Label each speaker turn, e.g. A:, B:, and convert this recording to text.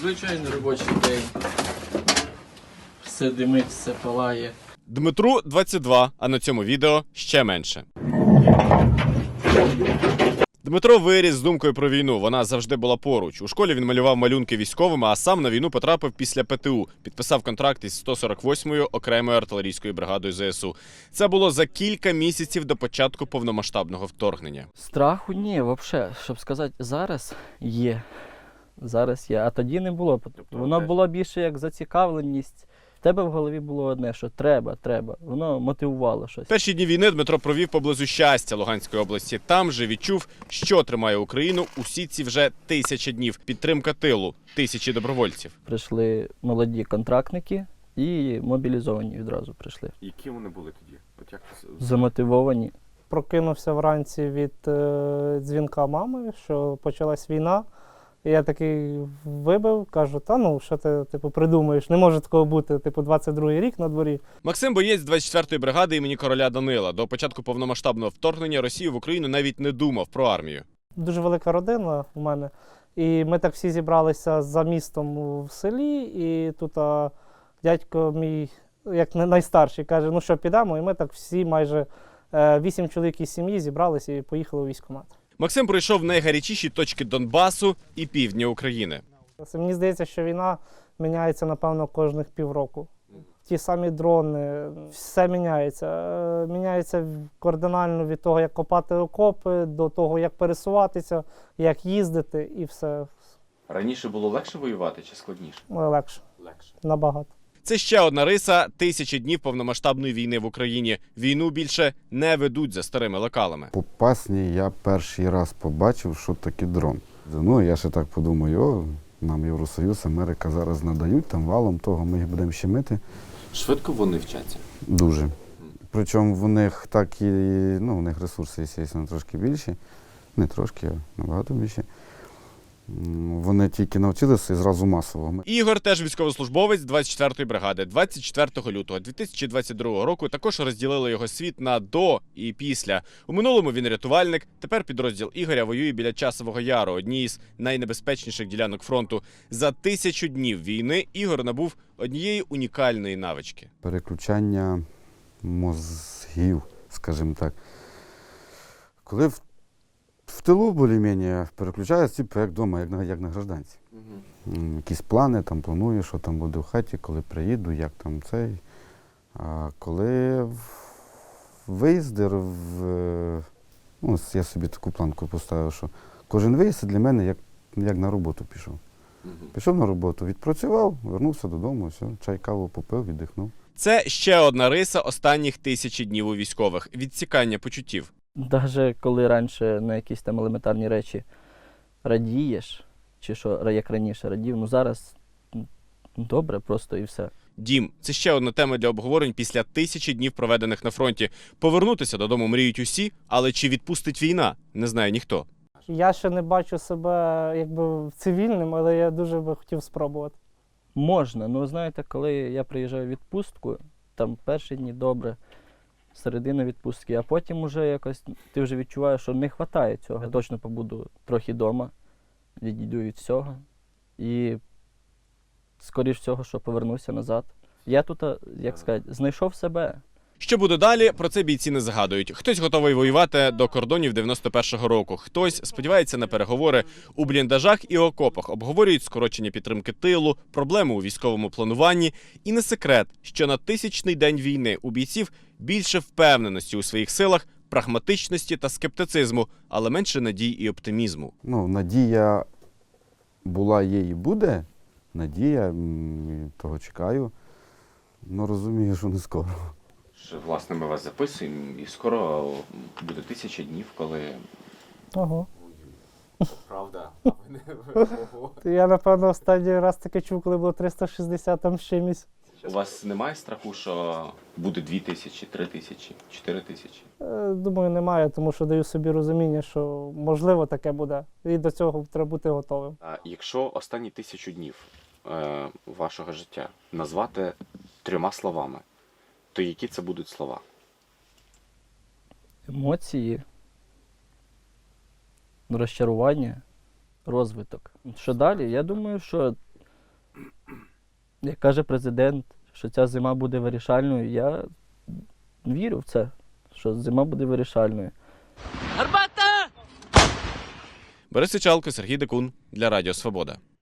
A: Звичайно, робочий день. Все димить, все палає.
B: Дмитру 22, а на цьому відео ще менше. Дмитро виріс з думкою про війну, вона завжди була поруч. У школі він малював малюнки військовими, а сам на війну потрапив після ПТУ. Підписав контракт із 148-ю окремою артилерійською бригадою ЗСУ. Це було за кілька місяців до початку повномасштабного вторгнення.
C: Страху ні, взагалі, щоб сказати, зараз є. Зараз є, а тоді не було. Воно було більше як зацікавленість. В тебе в голові було одне, що треба. Воно мотивувало щось.
B: Перші дні війни Дмитро провів поблизу Щастя Луганської області. Там же відчув, що тримає Україну усі ці вже 1000 днів. Підтримка тилу, тисячі добровольців.
C: Прийшли молоді контрактники і мобілізовані відразу прийшли.
B: Які вони були тоді? От як...
C: Замотивовані.
D: Прокинувся вранці від дзвінка мами, що почалась війна. І я такий вибив, кажу, та ну, що ти придумаєш, не може такого бути, 22-й рік на дворі.
B: Максим – боєць 24-ї бригади імені короля Данила. До початку повномасштабного вторгнення Росії в Україну навіть не думав про армію.
D: Дуже велика родина у мене, і ми так всі зібралися за містом в селі, і тут дядько мій, як найстарший, каже, ну що, підемо, і ми так всі майже 8 чоловік із сім'ї зібралися і поїхали у військкомат.
B: Максим пройшов найгарячіші точки Донбасу і півдня України.
D: Мені здається, що війна міняється, напевно, кожних півроку. Ті самі дрони, все міняється. Міняється кардинально від того, як копати окопи, до того, як пересуватися, як їздити і все.
E: Раніше було легше воювати чи складніше?
D: Легше. Набагато.
B: Це ще одна риса – 1000 днів повномасштабної війни в Україні. Війну більше не ведуть за старими лекалами.
F: По пасні я перший раз побачив, що таке дрон. Ну, я ще так подумаю, нам Євросоюз, Америка зараз надають там валом того, ми їх будемо щемити.
E: Швидко вони вчаться?
F: Дуже. Причому в них так і, ну, в них ресурси, звісно, трошки більші. Не трошки, а набагато більші. Вони тільки навчилися і зразу масово.
B: Ігор теж військовослужбовець 24-ї бригади. 24 лютого 2022 року також розділили його світ на до і після. У минулому він рятувальник, тепер підрозділ Ігоря воює біля Часового Яру, одній із найнебезпечніших ділянок фронту. За 1000 днів війни Ігор набув однієї унікальної навички.
F: Переключання мозгів, скажімо так. Коли в тилу більш-менш переключаюся, типу, як вдома, як на гражданці. Якісь плани, там планую, що там буде в хаті, коли приїду, як там цей. А коли виїзди, ну, я собі таку планку поставив, що кожен виїзд для мене як на роботу пішов. Пішов на роботу, відпрацював, вернувся додому, все, чай, каву попив, віддихнув.
B: Це ще одна риса останніх 1000 днів у військових – відсікання почуттів.
C: Навіть коли раніше на якісь там елементарні речі радієш, чи що, як раніше радів, ну зараз добре просто і все.
B: Дім – це ще одна тема для обговорень після 1000 днів, проведених на фронті. Повернутися додому мріють усі, але чи відпустить війна – не знає ніхто.
D: Я ще не бачу себе якби цивільним, але я дуже би хотів спробувати.
C: Можна, ну знаєте, коли я приїжджаю в відпустку, там перші дні добре, середина відпустки, а потім уже якось ти вже відчуваєш, що не вистачає цього. Я точно побуду трохи вдома, відійду від всього і скоріш всього, що повернуся назад. Я тут, як сказати, знайшов себе.
B: Що буде далі, про це бійці не загадують. Хтось готовий воювати до кордонів 91-го року, хтось сподівається на переговори у бліндажах і окопах, обговорюють скорочення підтримки тилу, проблеми у військовому плануванні. І не секрет, що на 1000-й день війни у бійців більше впевненості у своїх силах, прагматичності та скептицизму, але менше надій і оптимізму.
F: Ну, надія була, є і буде. Надія, того чекаю, але розумію, що не скоро.
E: Власне, ми вас записуємо, і скоро буде 1000 днів, коли...
D: Ого.
E: Правда?
D: Я, напевно, останній раз таке чув, коли було 360 там з чимось.
E: У вас немає страху, що буде 2000, 3000, 4000?
D: Думаю, немає, тому що даю собі розуміння, що можливо таке буде. І до цього треба бути готовим.
E: А якщо останні 1000 днів вашого життя назвати 3 словами, то які це будуть слова?
C: Емоції, розчарування, розвиток. Що далі? Я думаю, що Як каже президент, що ця зима буде вирішальною, я вірю в це, що зима буде вирішальною.
B: Борис Сичалко, Сергій Декун для Радіо Свобода.